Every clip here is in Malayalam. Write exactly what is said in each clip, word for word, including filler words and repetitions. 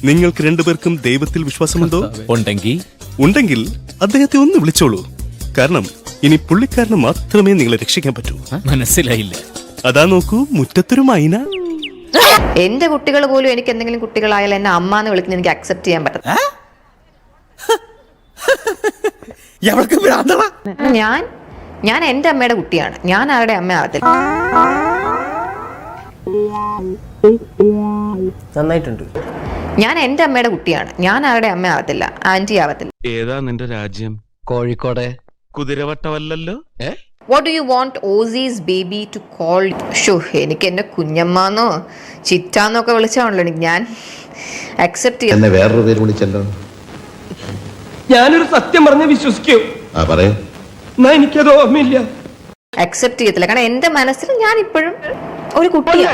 നിങ്ങൾക്ക് രണ്ടുപേർക്കും ദൈവത്തിൽ വിശ്വാസമുണ്ടോ? ഉണ്ടെങ്കിൽ ഉണ്ടെങ്കിൽ അദ്ദേഹത്തെ ഒന്ന് വിളിച്ചോളൂ. കാരണം ഇനി പുള്ളിക്കാരന് മാത്രമേ നിങ്ങളെ രക്ഷിക്കാൻ പറ്റൂ. മനസ്സിലായില്ല. അതാ നോക്കൂ, മുറ്റത്തൊരു മൈന. എന്റെ കുട്ടികൾ പോലും എനിക്ക് എന്തെങ്കിലും കുട്ടികളായാലും എന്നെ അമ്മ എന്ന് വിളിക്കുന്നത് എനിക്ക് അക്സെപ്റ്റ് ചെയ്യാൻ പറ്റും. ഞാൻ ഞാൻ എന്റെ അമ്മയുടെ കുട്ടിയാണ്. ഞാൻ ആരുടെ അമ്മ ആവത്തില്ല. നന്നായിട്ടുണ്ട്. ഞാൻ എന്റെ അമ്മയുടെ കുട്ടിയാണ്. ഞാൻ ആരുടെ അമ്മ ആവത്തില്ല, ആന്റി ആവത്തില്ല. ഏതാ നിന്റെ രാജ്യം? കോഴിക്കോട്. കുതിരവട്ടമല്ലല്ലോ. What do you want Aussies baby to call? ഷോ എനിക്ക് എന്നെ കുഞ്ഞമ്മാന്നോ ചിറ്റാന്നൊക്കെ വിളിച്ചാണല്ലോ എനിക്ക് ഞാൻ അക്സെപ്റ്റ് ചെയ്യാം. വേറൊരു പേര് വിളിച്ചല്ലോ. ഞാനൊരു സത്യം പറഞ്ഞ് വിശ്വസിക്കൂ. ആ പറയൂ. എന്നാ എനിക്കത് ഓർമ്മയില്ല. അക്സെപ്റ്റ് ചെയ്യത്തില്ല. കാരണം എന്റെ മനസ്സിൽ ഞാൻ ഇപ്പോഴും ഒരു കുട്ടിയാണ്.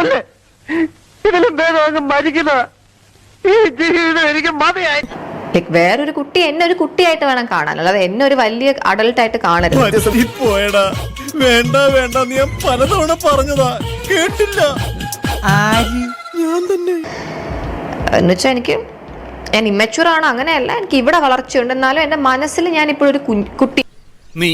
ലൈക് വേറൊരു കുട്ടി എന്നെ ഒരു കുട്ടിയായിട്ട് വേണം കാണാൻ, അല്ലാതെ എന്നെ ഒരു വലിയ അഡൾട്ട് ആയിട്ട് കാണരുത്. പോയടാ, വേണ്ട വേണ്ട, നീ പലതവണ പറഞ്ഞതാ, കേട്ടില്ല. ഞാൻ തന്നെ എന്നുവെച്ചാൽ എനിക്ക് ഞാൻ ഇമ്മച്യൂർ ആണ്, അങ്ങനെയല്ല. എനിക്ക് ഇവിടെ വളർച്ചയുണ്ട്, എന്നാലും എന്റെ മനസ്സിൽ ഞാൻ ഇപ്പോഴും ഒരു കുട്ടി. നീ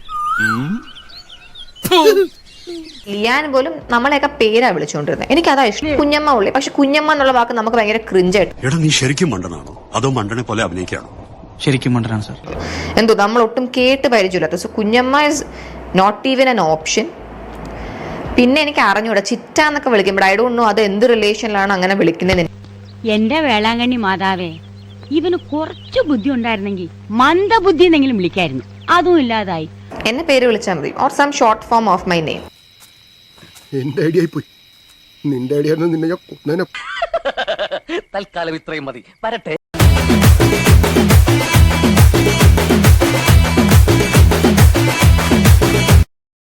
ലിയാൻ പോലും നമ്മളെയൊക്കെ പേരാ വിളിച്ചുകൊണ്ടിരുന്നത്. എനിക്ക് അതാ ഇഷ്ടം, കുഞ്ഞമ്മ ഉള്ളി. പക്ഷെ കുഞ്ഞമ്മ എന്നുള്ള വാക്ക് നമുക്ക് ഭയങ്കര ക്രിഞ്ചായിട്ട്. എടാ, നീ ശരിക്കും മണ്ടനാണോ അതോ മണ്ടനെ പോലെ അഭിനയിക്കാണോ? ശരിക്കും മണ്ടനാണ് സാർ. എന്തോ നമ്മൾ ഒട്ടും കേട്ട് പരിചയമില്ലാത്ത. So kunjamma is not even an option. പിന്നെ എനിക്ക് അറിഞ്ഞൂടാ, ചിറ്റ എന്നൊക്കെ വിളിക്കുമ്പോൾ ഐ ഡോണ്ട് നോ അത് എന്ത് റിലേഷനിലാണ് അങ്ങനെ വിളിക്കുന്നത്. എന്റെ വേളാങ്കണ്ണി മാതാവേ, ഇവന് കുറച്ചു ബുദ്ധി ഉണ്ടായിരുന്നെങ്കിൽ മന്ദബുദ്ധി എന്നെങ്കിലും വിളിക്കായിരുന്നു. അതും ഇല്ലാതായി. എന്നെ പേര് വിളിച്ചാൽ മതി, or some short form of my name. എന്റെ ഐഡിയ പോയി. നിന്റെ ഐഡിയ നിന്നെ ഞാൻ തൽക്കാലം ഇത്രയും മതി. വരട്ടെ.